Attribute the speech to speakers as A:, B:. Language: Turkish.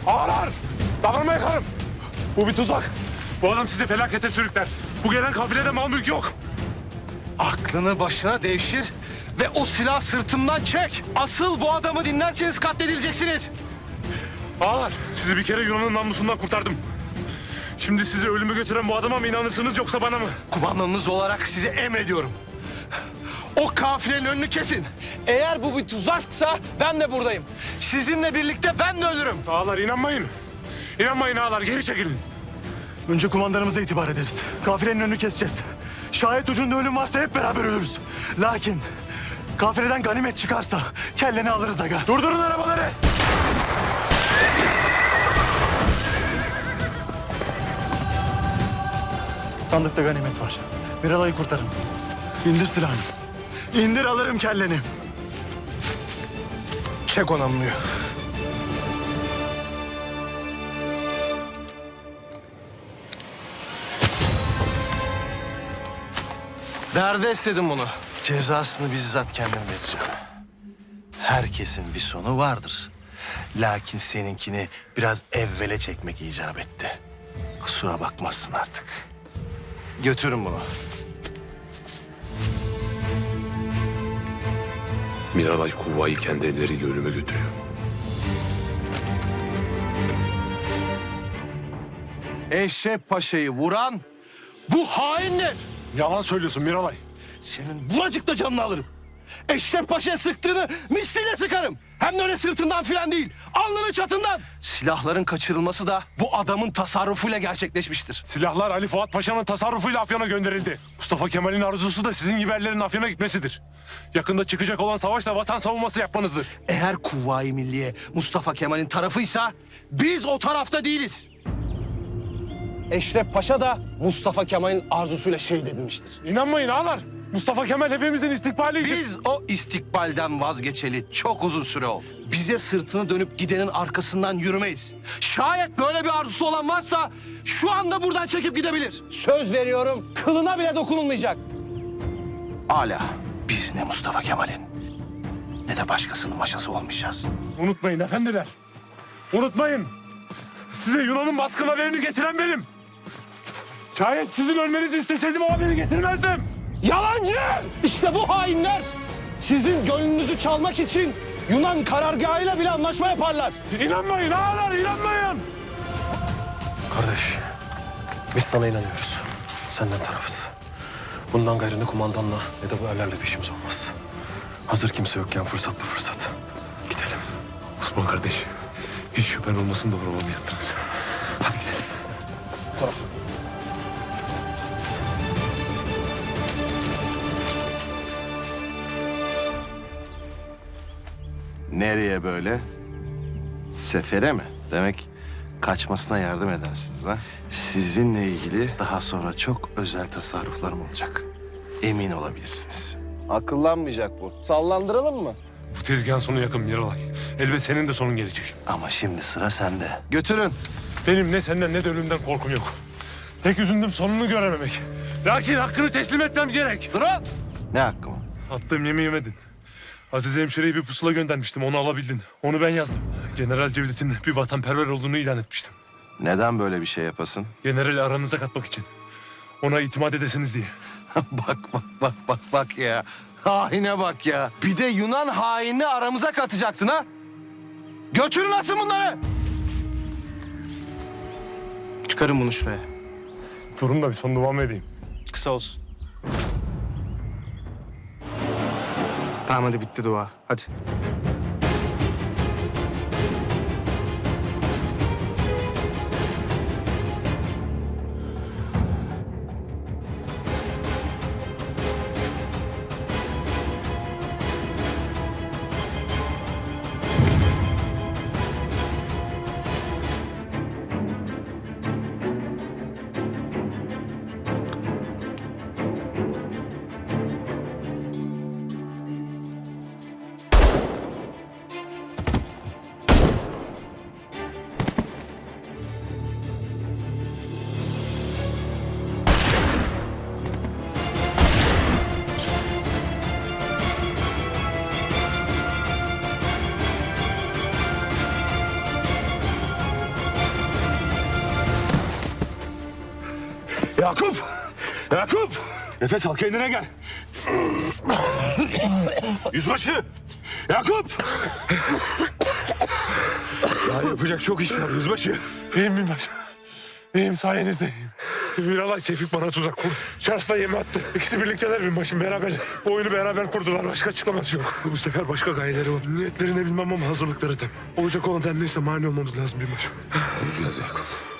A: Ağalar! Davranma yakarım. Bu bir tuzak. Bu adam sizi felakete sürükler. Bu gelen kafilede mal mülk yok.
B: Aklını başına devşir ve o silah sırtımdan çek. Asıl bu adamı dinlerseniz katledileceksiniz.
A: Ağalar, sizi bir kere Yunan'ın namusundan kurtardım. Şimdi sizi ölüme götüren bu adama mı inanırsınız yoksa bana mı?
B: Kumandanınız olarak size emrediyorum. O kafilenin önünü kesin. Eğer bu bir tuzaksa ben de buradayım. Sizinle birlikte ben de ölürüm.
A: Ağalar inanmayın. İnanmayın ağalar, geri çekilin.
C: Önce kumandanımıza itibar ederiz. Kafilenin önünü keseceğiz. Şayet ucunda ölüm varsa hep beraber ölürüz. Lakin kafileden ganimet çıkarsa kelleni alırız aga.
A: Durdurun arabaları.
C: Sandıkta ganimet var. Miralay'ı kurtarın. İndir silahını. İndir alırım kelleni.
B: Çek o namluyu. Nerede istedim bunu? Cezasını bizzat kendim vereceğim. Herkesin bir sonu vardır. Lakin seninkini biraz evvele çekmek icap etti. Kusura bakmazsın artık. Götürün bunu.
D: Miralay Kuvva'yı kendi elleriyle ölüme götürüyor.
B: Eşref Paşa'yı vuran bu hainler.
A: Yalan söylüyorsun Miralay.
B: Senin buracıkta canını alırım. Eşref Paşa'ya sıktığını misliyle sıkarım. Hem de öyle sırtından filan değil, alnının çatından. Silahların kaçırılması da bu adamın tasarrufuyla gerçekleşmiştir.
A: Silahlar Ali Fuat Paşa'nın tasarrufuyla Afyon'a gönderildi. Mustafa Kemal'in arzusu da sizin gibi erlerin Afyon'a gitmesidir. Yakında çıkacak olan savaşta vatan savunması yapmanızdır.
B: Eğer Kuvayi Milliye Mustafa Kemal'in tarafıysa biz o tarafta değiliz. Eşref Paşa da Mustafa Kemal'in arzusuyla şehit edilmiştir.
A: İnanmayın ağalar. Mustafa Kemal hepimizin istikbali için...
B: Biz o istikbalden vazgeçeli çok uzun süre oldu. Bize sırtını dönüp gidenin arkasından yürümeyiz. Şayet böyle bir arzusu olan varsa şu anda buradan çekip gidebilir. Söz veriyorum, kılına bile dokunulmayacak. Hala biz ne Mustafa Kemal'in ne de başkasının maşası olmayacağız.
A: Unutmayın efendiler. Unutmayın. Size Yunan'ın baskın haberini getiren benim. Şayet sizin ölmenizi isteseydim o haberi getirmezdim.
B: Yalancı! İşte bu hainler sizin gönlünüzü çalmak için Yunan karargahıyla bile anlaşma yaparlar.
A: İnanmayın ağalar, inanmayın.
E: Kardeş, biz sana inanıyoruz. Senden tarafız. Bundan gayrı ne kumandanla ne de bu erlerle bir işimiz olmaz. Hazır kimse yokken fırsat bu fırsat. Gidelim.
D: Osman kardeş, hiç şüphen olmasın doğru olanı yaptınız. Hadi gidelim.
B: Nereye böyle? Sefere mi? Demek kaçmasına yardım edersiniz ha? Sizinle ilgili daha sonra çok özel tasarruflarım olacak. Emin olabilirsiniz. Akıllanmayacak bu. Sallandıralım mı?
A: Bu tezgahın sonu yakın Miralay. Elbet senin de sonun gelecek.
B: Ama şimdi sıra sende. Götürün.
A: Benim ne senden ne de ölümden korkum yok. Tek üzüldüm sonunu görememek. Lakin hakkını teslim etmem gerek.
B: Durun. Ne hakkı mı?
A: Attığım yemeği yemedin. Aziz hemşireyi bir pusula göndermiştim, onu alabildin. Onu ben yazdım. General Cevdet'in bir vatanperver olduğunu ilan etmiştim.
B: Neden böyle bir şey yapasın?
A: Generali aranıza katmak için. Ona itimat edesiniz diye.
B: bak ya. Haine bak ya. Bir de Yunan hainini aramıza katacaktın ha? Götürün asın bunları.
F: Çıkarın bunu şuraya.
A: Durun da bir son duamı edeyim.
F: Kısa olsun. Tamam hadi bitti dua. Hadi.
A: Yakup! Yakup! Nefes al, kendine gel. Yüzbaşı! Yakup! Daha yapacak çok iş var yüzbaşı. İyiyim binbaşı. İyiyim, sayenizde iyiyim. Miralay Tevfik bana tuzak kurdu. Charles'la yemi attı. İkisi birlikteler binbaşım, beraber. Bu oyunu beraber kurdular. Başka açıklaması yok. Bu sefer başka gayeleri var. Niyetlerini bilmem ama hazırlıkları tam. Olacak olan her neyse mani olmamız lazım binbaşım.
D: Olacağız Yakup.